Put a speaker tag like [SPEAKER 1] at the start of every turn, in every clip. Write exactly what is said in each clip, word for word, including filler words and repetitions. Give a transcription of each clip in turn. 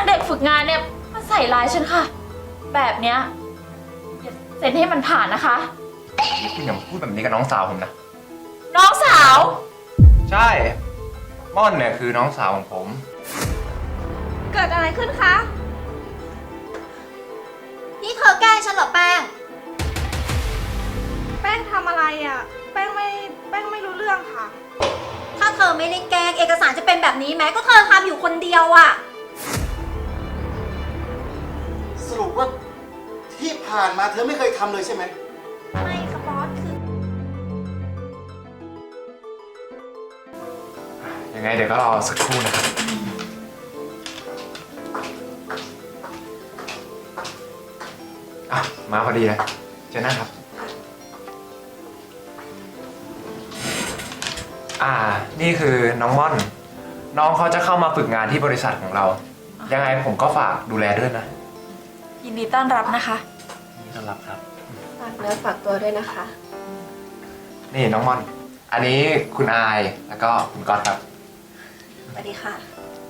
[SPEAKER 1] เด็กฝึกงานเนี่ยมาใส่ร้ายฉันค่ะแบบเนี้ยอย่าเซ็นให้มันผ่านนะคะ
[SPEAKER 2] นี่คุณอย่าพูดแบบนี้กับน้องสาวผมนะ
[SPEAKER 1] น้องสาว
[SPEAKER 2] ใช่ม่อนเนี่ยคือน้องสาวของผม
[SPEAKER 3] เกิดอะไรขึ้นคะ
[SPEAKER 4] นี่เธอแกล้งฉันเหรอแป้ง
[SPEAKER 3] แป้งทำอะไรอ่ะแป้งไม่แป้งไม่รู้เรื่องค่ะ
[SPEAKER 4] ถ้าเธอไม่ได้แกล้งเอกสารจะเป็นแบบนี้ไหมก็เธอทำอยู่คนเดียวอะ
[SPEAKER 5] สรุปว่าที่ผ่านมาเธอไม่เคยทำเลยใช่ไหม
[SPEAKER 4] ไม่ค่ะบอสคือ
[SPEAKER 2] ยังไงเดี๋ยวก็รอสักครู่นะครับอ่ะมาพอดีเลยเจอหน้าครับอ่านี่คือน้องม่อน น้องเขาจะเข้ามาฝึกงานที่บริษัทของเรา ยังไงผมก็ฝากดูแลด้วยนะ
[SPEAKER 1] ยินดีต้อนรับนะคะ
[SPEAKER 2] ยินดีต้อนรับครับ
[SPEAKER 3] ฝากเนื้อฝากตัวด้วยนะคะ
[SPEAKER 2] นี่น้องม่อน อันนี้คุณอายแล้วก็คุณก๊อตครับ
[SPEAKER 3] สวัสดีค่ะ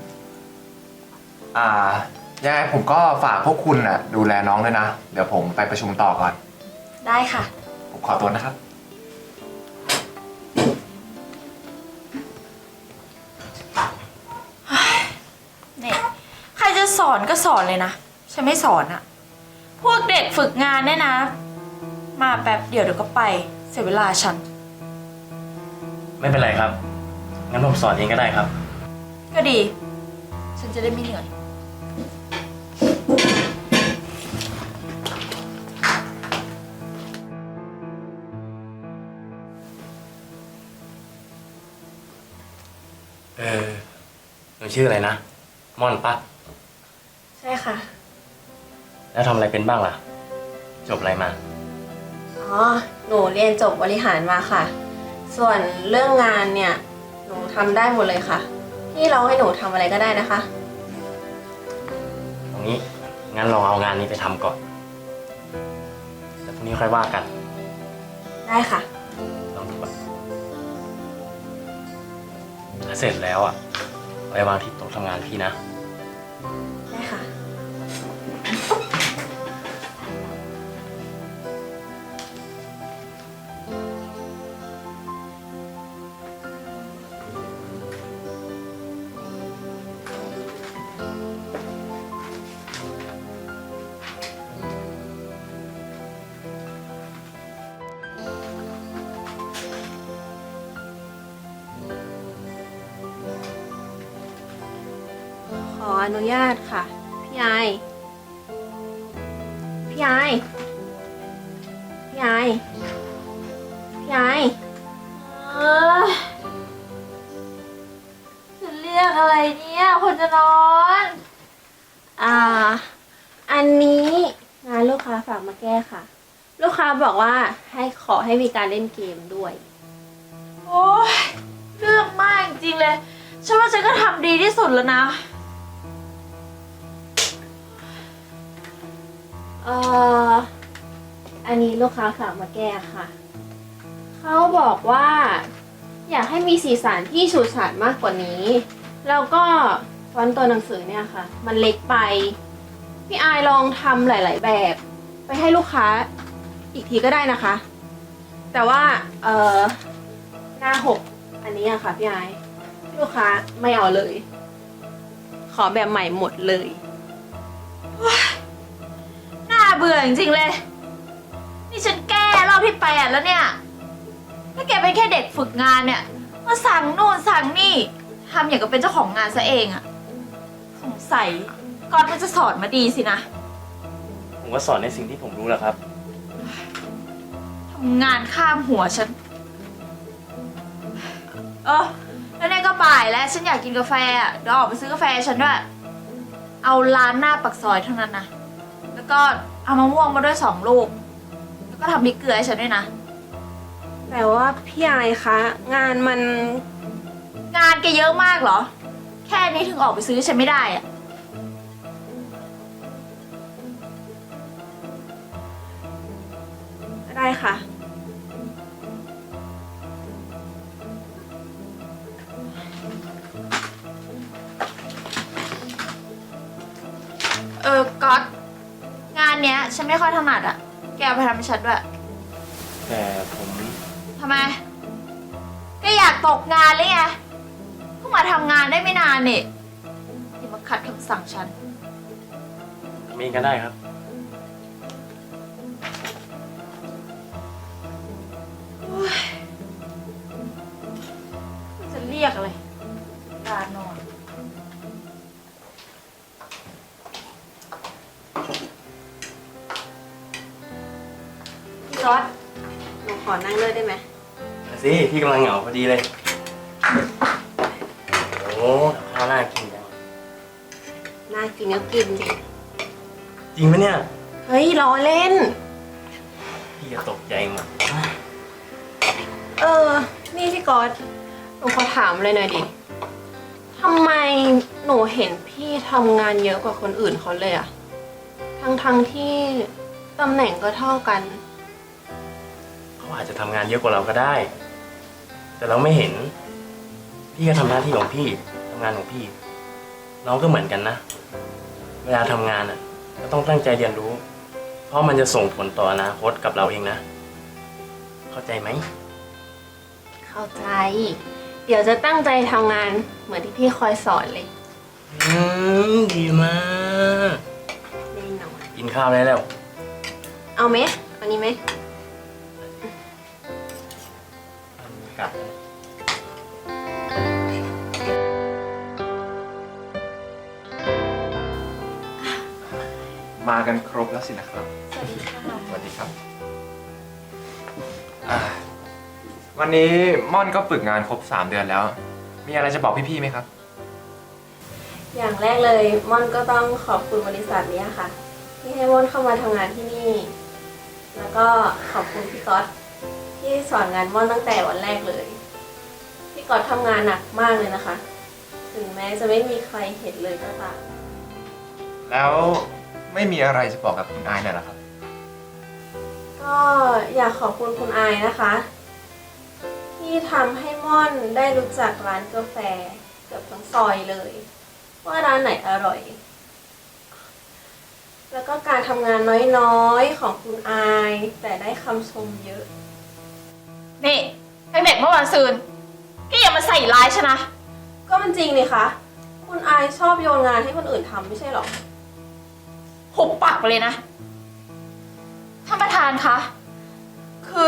[SPEAKER 2] อ่ายังไงผมก็ฝากพวกคุณน่ะดูแลน้องด้วยนะเดี๋ยวผมไปประชุมต่อก่อน
[SPEAKER 1] ได้ค่ะ
[SPEAKER 2] ผมขอตัวนะครับ
[SPEAKER 1] เนี่ยใครจะสอนก็สอนเลยนะฉันไม่สอนอะพวกเด็กฝึกงานเนี่ยนะ มาแป๊บเดียวเดี๋ยวก็ไปเสียเวลาฉัน
[SPEAKER 6] ไม่เป็นไรครับงั้นผมสอนเองก็ได้ครับ
[SPEAKER 1] ก็ดีฉันจะได้ไม่เหนื่อย
[SPEAKER 6] เออหนูชื่ออะไรนะม่อนปะ
[SPEAKER 3] ใช่ค่ะ
[SPEAKER 6] แล้วทำอะไรเป็นบ้างล่ะจบอะไรมา
[SPEAKER 3] อ๋อหนูเรียนจบบริหารมาค่ะส่วนเรื่องงานเนี่ยหนูทำได้หมดเลยค่ะพี่เราให้หนูทำอะไรก็ได้นะคะ
[SPEAKER 6] ตรงนี้งั้นลองเอางานนี้ไปทำก่อนแล้วพรุ่งนี้ค่อยว่ากัน
[SPEAKER 3] ได้ค่ะ
[SPEAKER 6] ลองดูก่อนถ้าเสร็จแล้วอ่ะไปวางที่โต๊ะทำงานพี่นะ
[SPEAKER 3] ได้ค่ะขออนุญาตค่ะพี่ไอพี่ไอพี่ไอพี่ไอ
[SPEAKER 1] เออจะเรียกอะไรเนี่ยคนจะนอน
[SPEAKER 3] อ่าอันนี้งานลูกค้าฝากมาแก้ค่ะลูกค้าบอกว่าให้ขอให้มีการเล่นเกมด้วย
[SPEAKER 1] โอ้ยเรื่องมากจริงๆเลยฉันว่าฉันก็ทำดีที่สุดแล้วนะ
[SPEAKER 3] เอ่ออันนี้ลูกค้าฝากมาแก้ค่ะเขาบอกว่าอยากให้มีสีสันที่ฉูดฉาดมากกว่านี้แล้วก็ฟอนต์ตัวหนังสือเนี่ยค่ะมันเล็กไปพี่อายลองทำหลายๆแบบไปให้ลูกค้าอีกทีก็ได้นะคะแต่ว่าเอ่อหน้าหกอันนี้อะค่ะพี่อายลูกค้าไม่เอาเลยขอแบบใหม่หมดเลย
[SPEAKER 1] น่าเบื่อจริงๆเลยนี่ฉันแก้รอบที่แปดแล้วเนี่ยถ้าแกเป็นแค่เด็กฝึกงานเนี่ยมาสั่งนู่นสั่งนี่ทำอย่างกับเป็นเจ้าของงานซะเองอะสงสัยก่อนมันจะสอนมาดีสินะ
[SPEAKER 6] ผมก็สอนในสิ่งที่ผมรู้แหละครับ
[SPEAKER 1] ทำงานข้ามหัวฉันเออแล้วเนี่ยก็บ่ายแล้วฉันอยากกินกาแฟอ่ะเดี๋ยวออกไปซื้อกาแฟฉันด้วยเอาร้านหน้าปากซอยเท่านั้นนะแล้วก็เอามะม่วงมาด้วยสองลูกแล้วก็ทำพริกเกลือให้ฉันด้วยนะ
[SPEAKER 3] แต่ว่าพี่ไอคะงานมัน
[SPEAKER 1] งานแกเยอะมากเหรอแค่นี้ถึงออกไปซื้อฉันไม่ได้อ่ะ
[SPEAKER 3] ได้ค่ะ
[SPEAKER 1] เออก๊อตงานเนี้ย ฉันไม่ค่อยถนัดอะแกเอาไปทำให้ฉันด้วย
[SPEAKER 6] แต่ผม
[SPEAKER 1] ทำไมแกอยากตกงานเลยไงเพิ่งมาทำงานได้ไม่นานนี่อย่ามาขัดคำสั่งฉัน
[SPEAKER 6] ทำเองก็ได้ครับ
[SPEAKER 1] จะเรียกอะไรลานอน
[SPEAKER 3] พี่ก๊อตหนูขอนั่งด้วยได้ไหม
[SPEAKER 6] มาสิพี่กำลังเหงาพอดีเลย โอ้ข้าวน่ากินจัง
[SPEAKER 3] น่ากินก็กินสิ
[SPEAKER 6] จริงไหมเนี่ย
[SPEAKER 3] เฮ้ยล้อเล่น
[SPEAKER 6] พี่จะตกใจหมด
[SPEAKER 3] เออ นี่พี่ก๊อตหนูขอถามเลยหน่อยดิทำไมหนูเห็นพี่ทำงานเยอะกว่าคนอื่นเขาเลยอะทั้งทั้งๆที่ตำแหน่งก็เท่ากัน
[SPEAKER 6] เขาอาจจะทำงานเยอะกว่าเราก็ได้ แต่เราไม่เห็น พี่ก็ทำหน้าที่ของพี่ทำงานของพี่ น้องก็เหมือนกันนะ เวลาทำงานอ่ะ ก็ต้องตั้งใจเรียนรู้ เพราะมันจะส่งผลต่ออนาคตกับเราเองนะ เข้าใจไหม
[SPEAKER 3] เข้าใจ เดี๋ยวจะตั้งใจทำงานเหมือนที่พี่คอยสอนเลย
[SPEAKER 6] อืมดีมาก
[SPEAKER 3] แน่นอน
[SPEAKER 6] กินข้าวได้แล้ว
[SPEAKER 3] เอาไหมเอานี้ไหม
[SPEAKER 6] กัด
[SPEAKER 2] มากันครบแล้วสินะครับ
[SPEAKER 1] สวัสดีค่ะ
[SPEAKER 2] สวัสดีครับอ่าวันนี้ม่อนก็ฝึกงานครบสามเดือนแล้ว มีอะไรจะบอกพี่ๆไหมครับ
[SPEAKER 3] อย่างแรกเลยม่อนก็ต้องขอบคุณบริษัทนี้ค่ะ ที่ให้ม่อนเข้ามาทำงานที่นี่ แล้วก็ขอบคุณพี่ก๊อตที่สอนงานม่อนตั้งแต่วันแรกเลย พี่ก๊อตทำงานหนักมากเลยนะคะ ถึงแม้จะไม่มีใครเห็นเลยก็ตาม
[SPEAKER 2] แล้วไม่มีอะไรจะบอกกับคุณอายหน่อยเหรอครับ
[SPEAKER 3] ก็อยากขอบคุณคุณอายนะคะ ที่ทำให้ม่อนได้รู้จักร้านกาแฟเกือบทั้งซอยเลย ว่าร้านไหนอร่อย แล้วก็การทำงานน้อยๆของคุณอาย แต่ได้คำชมเยอะ
[SPEAKER 1] นี่ไอเด็กเมื่อวันซืนแกอย่ามาใส่ร้ายฉันนะ
[SPEAKER 3] ก็มันจริงนี่คะคุณอายชอบโยนงานให้คนอื่นทำไม่ใช่หรอ
[SPEAKER 1] หุบปากไปเลยนะ ท่านประธานคะ คื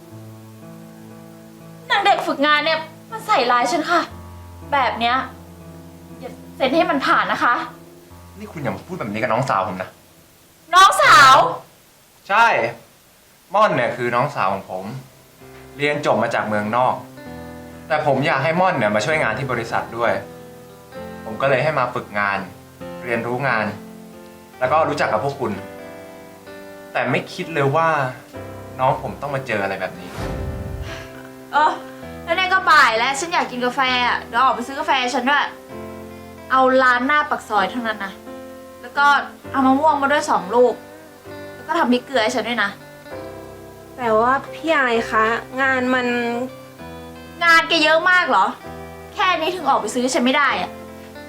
[SPEAKER 1] อนางเด็กฝึกงานเนี่ยมันใส่ร้ายฉันค่ะ แบบเนี้ยอย่าเซ็นให้มันผ่านนะคะ
[SPEAKER 2] นี่คุณอย่ามาพูดแบบนี้กับน้องสาวผมนะ
[SPEAKER 1] น้องสาว
[SPEAKER 2] ใช่ ม่อนเนี่ยคือน้องสาวของผม เรียนจบมาจากเมืองนอก แต่ผมอยากให้ม่อนเนี่ยมาช่วยงานที่บริษัทด้วย ผมก็เลยให้มาฝึกงาน เรียนรู้งาน แล้วก็รู้จักกับพวกคุณ แต่ไม่คิดเลยว่าน้องผมต้องมาเจออะไรแบบนี้
[SPEAKER 1] เออแล้วเนี่ยก็บ่ายแล้วฉันอยากกินกาแฟอ่ะเดี๋ยวออกไปซื้อกาแฟฉันด้วย เอาร้านหน้าปักซอยเท่านั้นนะ แล้วก็เอามะม่วงมาด้วยสองลูก แล้วก็ทำพริกเกลือให้ฉันด้วยนะ
[SPEAKER 3] แต่ว่าพี่อายคะงานมัน
[SPEAKER 1] งานแกเยอะมากเหรอ แค่นี้ถึงออกไปซื้อฉันไม่ได้อะ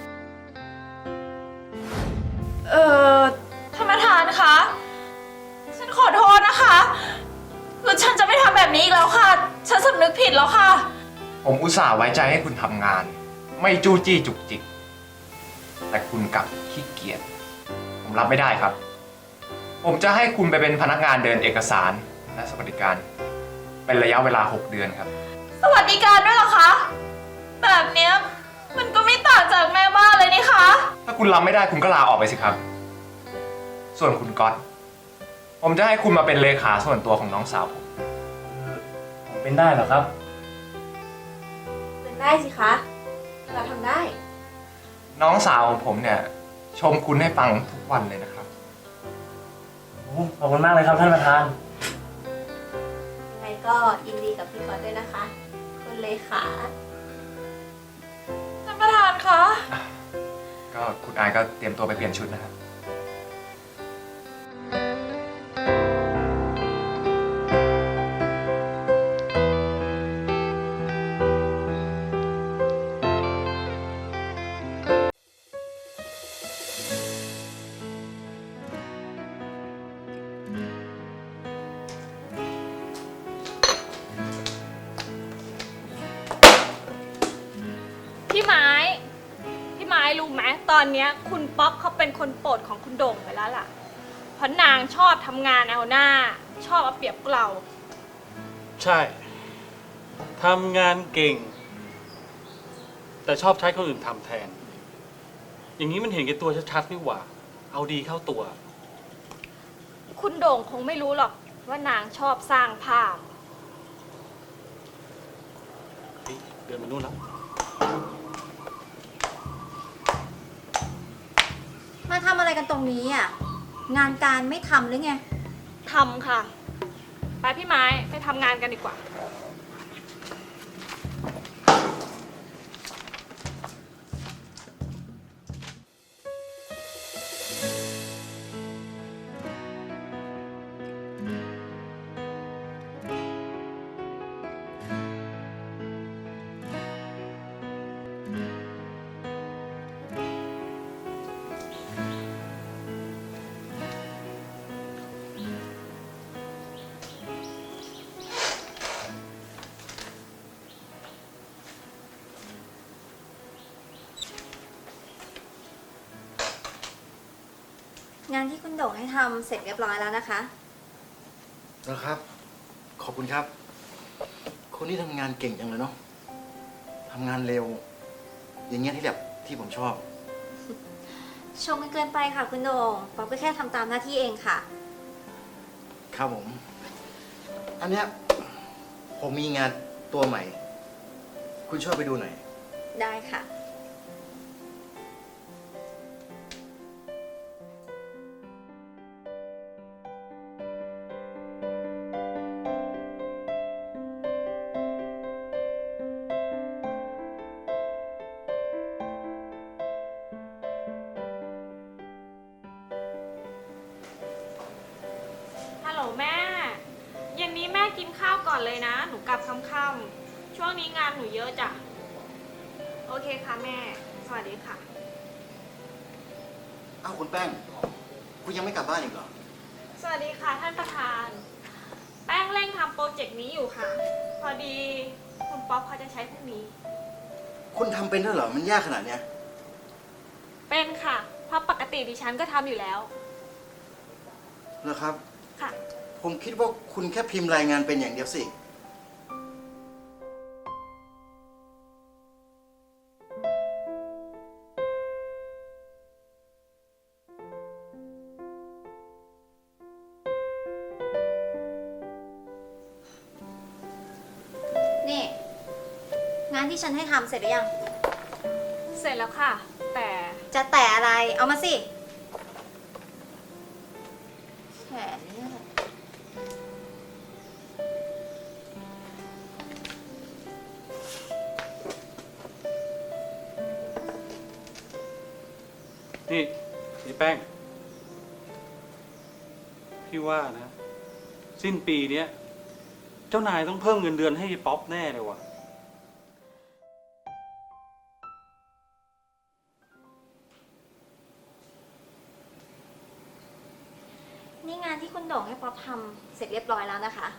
[SPEAKER 1] เออท่านประธานคะ ฉันขอโทษนะคะ คือฉันจะไม่ทำแบบนี้อีกแล้วค่ะ ฉันสำนึกผิดแล้วค่ะ
[SPEAKER 2] ผมอุตส่าห์ไว้ใจให้คุณทำงาน ไม่จู้จี้จุกจิก แต่คุณกลับขี้เกียจ ผมรับไม่ได้ครับ ผมจะให้คุณไปเป็นพนักงานเดินเอกสารและสวัสดิการ เป็นระยะเวลาหกเดือนครับ
[SPEAKER 1] สวัสดิการด้วยเหรอคะ แบบเนี้ยมันก็ไม่ต่างจากแม่บ้านเลยนี่คะ
[SPEAKER 2] ถ้าคุณรับไม่ได้คุณก็ลาออกไปสิครับ ส่วนคุณก๊อตผมจะให้คุณมาเป็นเลขาส่วนตัวของน้องสาวผม
[SPEAKER 6] ผมเป็นได้เหรอครับ
[SPEAKER 3] เป็นได้สิคะเราทำได้
[SPEAKER 2] น้องสาวของผมเนี่ยชมคุณให้ฟังทุกวันเลยนะครับ
[SPEAKER 6] โอ้ขอบคุณมากเลยครับท่านประธาน
[SPEAKER 3] ยังไงก็ยินดีกับพี่ก๊อตด้วยนะคะ คุณเลขา
[SPEAKER 1] ท่านประธานคะ
[SPEAKER 2] ก็คุณอายก็เตรียมตัวไปเปลี่ยนชุดนะครับ
[SPEAKER 7] ตอนเนี้ยคุณป๊อกเขาเป็นคนโปรดของคุณโด่งไปแล้วล่ะ เพราะนางชอบทำงานเอาหน้า ชอบเอาเปรียบพวกเรา
[SPEAKER 8] ใช่ ทำงานเก่ง แต่ชอบใช้คนอื่นทำแทน อย่างนี้มันเห็นแก่ตัวชัดๆนี่หว่า เอาดีเข้าตัว
[SPEAKER 7] คุณโด่งคงไม่รู้หรอกว่านางชอบสร้างภาพ
[SPEAKER 8] เฮ้ยเดินมานู่นแล้ว
[SPEAKER 4] มาทำอะไรกันตรงนี้อ่ะ งานการไม่ทำหรือไง
[SPEAKER 7] ทำค่ะ ไปพี่ไม้ไปทำงานกันดีกว่า
[SPEAKER 4] งานที่คุณโด่งให้ทำเสร็จเรียบร้อยแล้วนะคะ
[SPEAKER 5] แล้วครับ ขอบคุณครับ คนที่ทำงานเก่งจังเลยเนาะทำงานเร็ว อย่างเงี้ยที่แบบที่ผมชอบ
[SPEAKER 4] ชมกันเกินไปค่ะคุณโด่งป๊อปก็แค่ทำตามหน้าที่เองค่ะ
[SPEAKER 5] ครับผม อันเนี้ยผมมีงานตัวใหม่ คุณช่วยไปดูหน่อย
[SPEAKER 4] ได้ค่ะ
[SPEAKER 7] ฮัลโหลแม่ เย็นนี้แม่กินข้าวก่อนเลยนะ หนูกลับค่ำๆช่วงนี้งานหนูเยอะจ้ะ โอเคค่ะแม่ สวัสดีค่ะ
[SPEAKER 5] เอ้าคุณแป้ง คุณยังไม่กลับบ้านอีกเหรอ
[SPEAKER 7] สวัสดีค่ะท่านประธาน แป้งเร่งทำโปรเจกต์นี้อยู่ค่ะ พอดีคุณป๊อปเขาจะใช้พรุ่งนี้
[SPEAKER 5] คุณทำเป็นด้วยเหรอ มันยากขนาดเนี้ย
[SPEAKER 7] เป็นค่ะ เพราะปกติดิฉันก็ทำอยู่แล้ว
[SPEAKER 5] เหรอครับ
[SPEAKER 7] ค่ะ
[SPEAKER 5] ผมคิดว่าคุณแค่พิมพ์รายงานเป็นอย่างเดียวสิ
[SPEAKER 4] นี่ งานที่ฉันให้ทำเสร็จหรือยัง
[SPEAKER 7] เสร็จแล้วค่ะ แต่
[SPEAKER 4] จะแต่อะไร เอามาสิแขนเนี่ยแหละ
[SPEAKER 8] นี่นี่แป้ง พี่ว่านะ สิ้นปีเนี้ย เจ้านายต้องเพิ่มเงินเดือนให้ป๊อปแน่เลยว่ะ
[SPEAKER 4] นี่งานที่คุณโด่งให้ป๊อปทำเสร็จเรียบร้อยแล้วนะคะ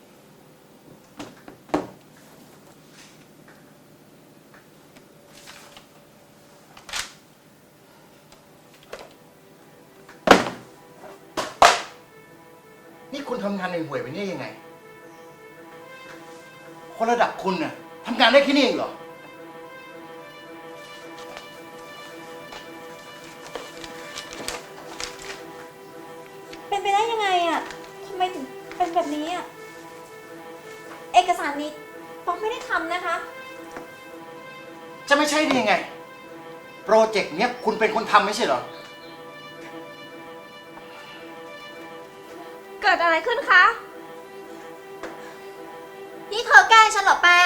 [SPEAKER 5] นี่คุณทำงานในห่วยๆไปเนี่ยยังไง คนระดับคุณน่ะทำงานได้แค่นี้เองเหรอ
[SPEAKER 4] เป็นไปได้ยังไงอ่ะทำไมถึงเป็นแบบนี้อ่ะ เอกสารนี้ป๊อปไม่ได้ทำนะคะ
[SPEAKER 5] จะไม่ใช่ได้ยังไง โปรเจกต์เนี้ยคุณเป็นคนทำไม่ใช่เหรอ
[SPEAKER 7] เกิดอะไรขึ้นคะ
[SPEAKER 4] นี่เธอแกล้งฉันเหรอแป้ง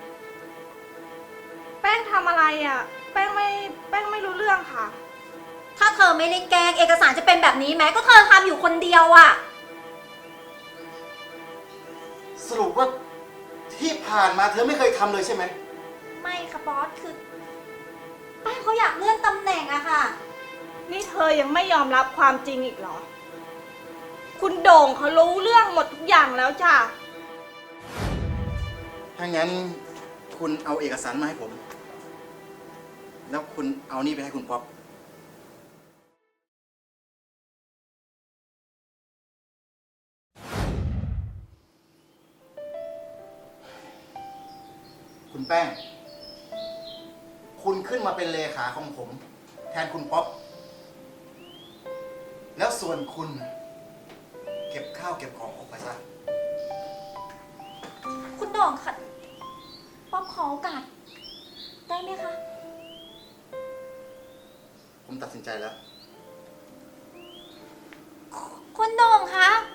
[SPEAKER 7] แป้งทำอะไรอ่ะ แป้งไม่แป้งไม่รู้เรื่องค่ะ
[SPEAKER 4] ถ้าเธอไม่ได้แกล้งเอกสารจะเป็นแบบนี้ไหมก็เธอทำอยู่คนเดียวอ่ะ
[SPEAKER 5] สรุปว่าที่ผ่านมาเธอไม่เคยทำเลยใช่ไหม
[SPEAKER 4] ไม่ค่ะบอสคือแป้งเขาอยากเลื่อนตำแหน่งอะค่ะ
[SPEAKER 7] นี่เธอยังไม่ยอมรับความจริงอีกเหรอ คุณโด่งเขารู้เรื่องหมดทุกอย่างแล้วจ้ะ
[SPEAKER 5] ถ้างั้นคุณเอาเอกสารมาให้ผม แล้วคุณเอานี่ไปให้คุณป๊อปคุณแป้ง คุณขึ้นมาเป็นเลขาของผม แทนคุณป๊อป แล้วส่วนคุณ เก็บข้าวเก็บของออกไปซะ
[SPEAKER 4] คุณโด่งค่ะป๊อปขอโอกาสได้ไหมคะ
[SPEAKER 5] ผมตัดสินใจแล้ว
[SPEAKER 4] คุณโด่งคะ